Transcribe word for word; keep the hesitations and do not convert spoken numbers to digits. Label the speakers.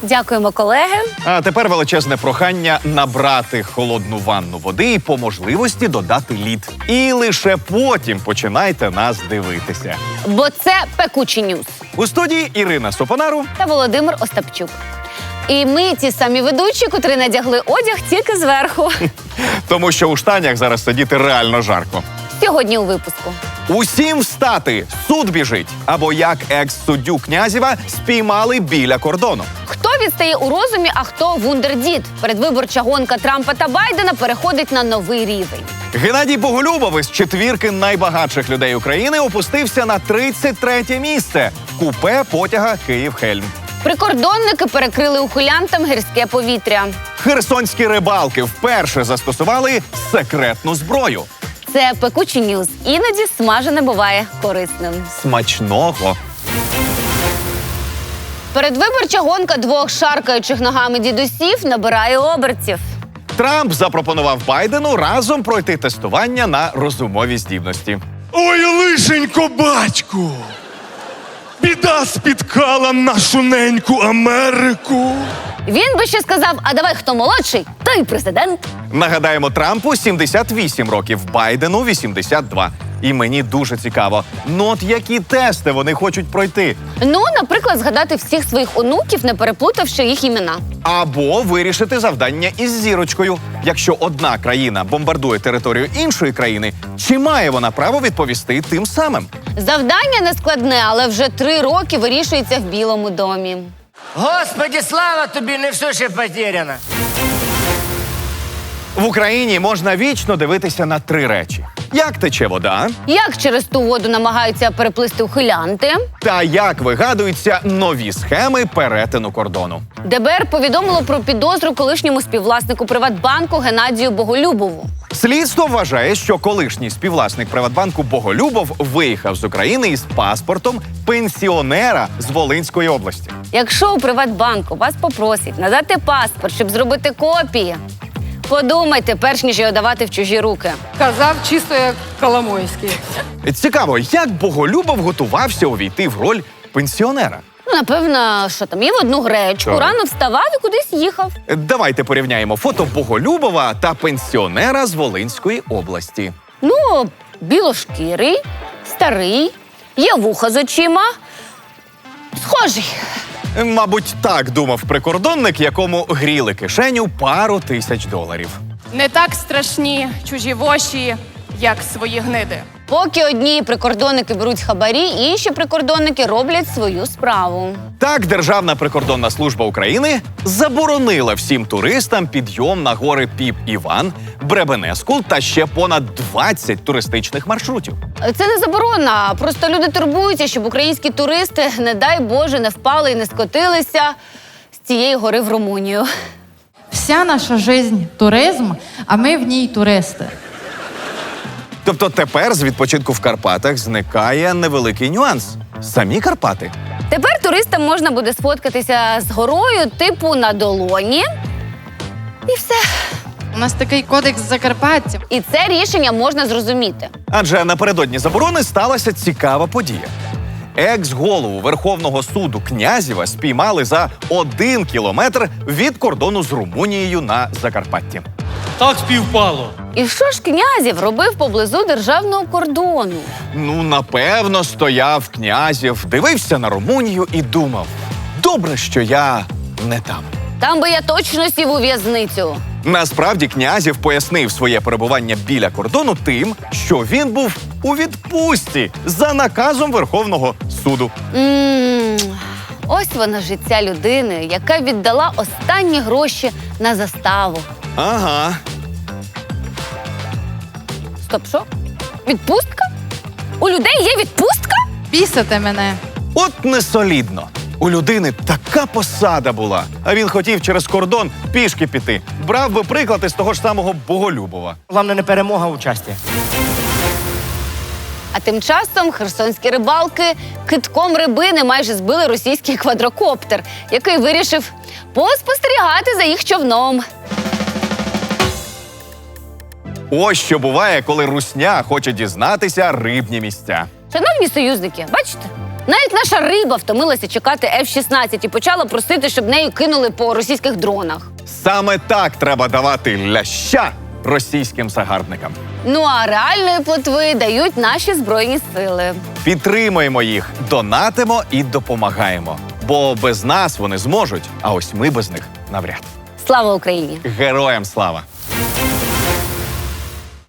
Speaker 1: Дякуємо, колеги.
Speaker 2: А тепер величезне прохання набрати холодну ванну води і по можливості додати лід. І лише потім починайте нас дивитися.
Speaker 1: Бо це пекучі ньюс.
Speaker 2: У студії Ірина Сопонару
Speaker 1: Та Володимир Остапчук. І ми ті самі ведучі, котрі надягли одяг тільки зверху.
Speaker 2: Тому що у штанях зараз сидіти реально жарко.
Speaker 1: Сьогодні у випуску.
Speaker 2: Усім встати! Суд біжить! Або як екс-суддю Князєва спіймали біля кордону.
Speaker 1: Хто відстає у розумі, а хто вундердід? Передвиборча гонка Трампа та Байдена переходить на новий рівень.
Speaker 2: Геннадій Боголюбов із четвірки найбагатших людей України опустився на тридцять третє місце в купе потяга Київ-Хельм.
Speaker 1: Прикордонники перекрили ухилянтам гірське повітря.
Speaker 2: Херсонські рибалки вперше застосували секретну зброю.
Speaker 1: Це пекучі ньюс. Іноді смажене буває корисним.
Speaker 2: Смачного!
Speaker 1: Передвиборча гонка двох шаркаючих ногами дідусів набирає обертів.
Speaker 2: Трамп запропонував Байдену разом пройти тестування на розумові здібності.
Speaker 3: Ой, лишенько, батьку! Біда спіткала нашу неньку Америку.
Speaker 1: Він би ще сказав, а давай хто молодший, той президент.
Speaker 2: Нагадаємо, Трампу сімдесят вісім років, Байдену вісімдесят два. І мені дуже цікаво, ну от які тести вони хочуть пройти?
Speaker 1: Ну, наприклад, згадати всіх своїх онуків, не переплутавши їх імена.
Speaker 2: Або вирішити завдання із зірочкою. Якщо одна країна бомбардує територію іншої країни, чи має вона право відповісти тим самим?
Speaker 1: Завдання не складне, але вже три роки вирішується в Білому домі.
Speaker 4: Господи, слава тобі, не все ще потеряно.
Speaker 2: В Україні можна вічно дивитися на три речі. Як тече вода,
Speaker 1: Як через ту воду намагаються переплисти ухилянти?
Speaker 2: та як вигадуються нові схеми перетину кордону.
Speaker 1: ДБР повідомило про підозру колишньому співвласнику Приватбанку Геннадію Боголюбову.
Speaker 2: Слідство вважає, що колишній співвласник Приватбанку Боголюбов виїхав з України із паспортом пенсіонера з Волинської області.
Speaker 1: Якщо у Приватбанку вас попросять надати паспорт, щоб зробити копії, подумайте, перш ніж його давати в чужі руки.
Speaker 5: Казав чисто як Коломойський.
Speaker 2: Цікаво, як Боголюбов готувався увійти в роль пенсіонера?
Speaker 1: Ну, напевно, що там, їв одну гречку,
Speaker 2: Так.
Speaker 1: рано вставав і кудись їхав.
Speaker 2: Давайте порівняємо фото Боголюбова та пенсіонера з Волинської області.
Speaker 1: Ну, білошкірий, старий, є вуха з очима. Схожий.
Speaker 2: Мабуть, так думав прикордонник, якому гріли кишеню пару тисяч доларів.
Speaker 5: Не так страшні чужі воші, як свої гниди.
Speaker 1: Поки одні прикордонники беруть хабарі, інші прикордонники роблять свою справу.
Speaker 2: Так, Державна прикордонна служба України заборонила всім туристам підйом на гори Піп-Іван, Бребенескул та ще понад двадцять туристичних маршрутів.
Speaker 1: Це не заборона, просто люди турбуються, щоб українські туристи, не дай Боже, не впали і не скотилися з цієї гори в Румунію.
Speaker 6: Вся наша жизнь – туризм, а ми в ній туристи.
Speaker 2: Тобто тепер з відпочинку в Карпатах зникає невеликий нюанс – самі Карпати.
Speaker 1: Тепер туристам можна буде сфоткатися з горою, типу на долоні. І все.
Speaker 6: У нас такий кодекс Закарпаття.
Speaker 1: І це рішення можна зрозуміти.
Speaker 2: Адже напередодні заборони сталася цікава подія. Екс-голову Верховного суду Князєва спіймали за один кілометр від кордону з Румунією на Закарпатті.
Speaker 7: Так співпало.
Speaker 1: І що ж Князєв робив поблизу державного кордону?
Speaker 2: Ну, напевно, стояв Князєв, дивився на Румунію і думав: добре, що я не там.
Speaker 1: Там би я точно сів у в'язницю.
Speaker 2: Насправді Князєв пояснив своє перебування біля кордону тим, що він був у відпустці за наказом Верховного суду.
Speaker 1: М, Ось воно життя людини, яка віддала останні гроші на заставу.
Speaker 2: Ага.
Speaker 1: Стоп, що? Відпустка? У людей є відпустка?
Speaker 6: Бісите мене.
Speaker 2: От несолідно. У людини така посада була, а він хотів через кордон пішки піти. Брав би приклад із того ж самого Боголюбова.
Speaker 4: Головне не перемога, а участя.
Speaker 1: А тим часом херсонські рибалки китком рибини майже збили російський квадрокоптер, який вирішив поспостерігати за їх човном.
Speaker 2: Ось що буває, коли русня хоче дізнатися рибні місця.
Speaker 1: Шановні союзники, бачите? Навіть наша риба втомилася чекати еф шістнадцять і почала просити, щоб нею кинули по російських дронах.
Speaker 2: Саме так треба давати ляща російським загарбникам.
Speaker 1: Ну а реальної плотви дають наші Збройні сили.
Speaker 2: Підтримуємо їх, донатимо і допомагаємо. Бо без нас вони зможуть, а ось ми без них навряд.
Speaker 1: Слава Україні!
Speaker 2: Героям слава!